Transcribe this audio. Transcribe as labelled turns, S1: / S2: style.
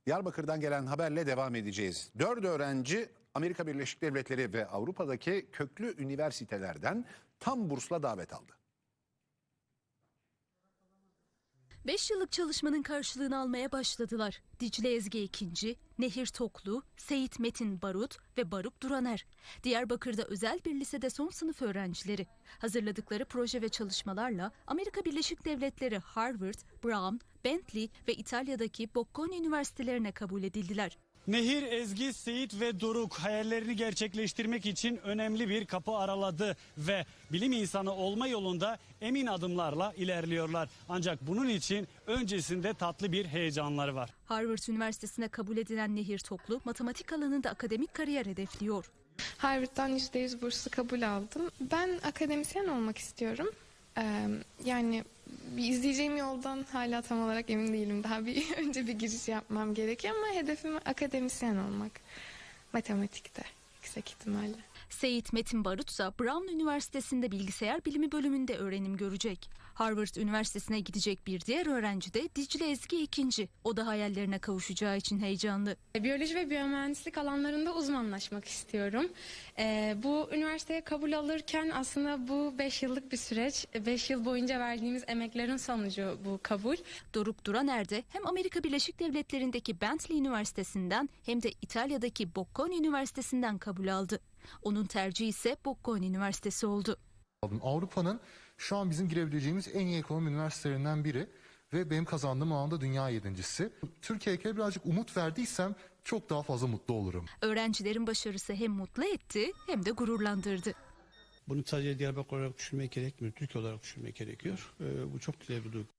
S1: Diyarbakır'dan gelen haberle devam edeceğiz. 4 öğrenci Amerika Birleşik Devletleri ve Avrupa'daki köklü üniversitelerden tam bursla davet aldı.
S2: 5 yıllık çalışmanın karşılığını almaya başladılar. Dicle Ezgi Ekinci, Nehir Toklu, Seyit Metin Barut ve Baruk Duraner. Diyarbakır'da özel bir lisede son sınıf öğrencileri. Hazırladıkları proje ve çalışmalarla Amerika Birleşik Devletleri Harvard, Brown, Bentley ve İtalya'daki Bocconi üniversitelerine kabul edildiler.
S3: Nehir, Ezgi, Seyit ve Doruk hayallerini gerçekleştirmek için önemli bir kapı araladı ve bilim insanı olma yolunda emin adımlarla ilerliyorlar. Ancak bunun için öncesinde tatlı bir heyecanları var.
S2: Harvard Üniversitesi'ne kabul edilen Nehir Toklu, matematik alanında akademik kariyer hedefliyor.
S4: Harvard'dan %100 burslu kabul aldım. Ben akademisyen olmak istiyorum. Yani bir izleyeceğim yoldan hala tam olarak emin değilim. Daha önce bir giriş yapmam gerekiyor ama hedefim akademisyen olmak. Matematikte yüksek ihtimalle.
S2: Seyit Metin Barut ise Brown Üniversitesi'nde bilgisayar bilimi bölümünde öğrenim görecek. Harvard Üniversitesi'ne gidecek bir diğer öğrenci de Dicle Ezgi Ekinci. O da hayallerine kavuşacağı için heyecanlı.
S5: Biyoloji ve biyomühendislik alanlarında uzmanlaşmak istiyorum. Bu üniversiteye kabul alırken aslında bu 5 yıllık bir süreç. 5 yıl boyunca verdiğimiz emeklerin sonucu bu kabul.
S2: Doruk Duraner de hem Amerika Birleşik Devletleri'ndeki Bentley Üniversitesi'nden hem de İtalya'daki Bocconi Üniversitesi'nden kabul aldı. Onun tercihi ise Bocconi Üniversitesi oldu.
S6: Avrupa'nın şu an bizim girebileceğimiz en iyi ekonomi üniversitelerinden biri ve benim kazandığım alanda dünya 7.'si. Türkiye'ye birazcık umut verdiysem çok daha fazla mutlu olurum.
S2: Öğrencilerin başarısı hem mutlu etti hem de gururlandırdı.
S7: Bunu sadece Diyarbakır olarak düşünmek gerekmiyor, Türkiye olarak düşünmek gerekiyor. Bu çok güzel bir duygu.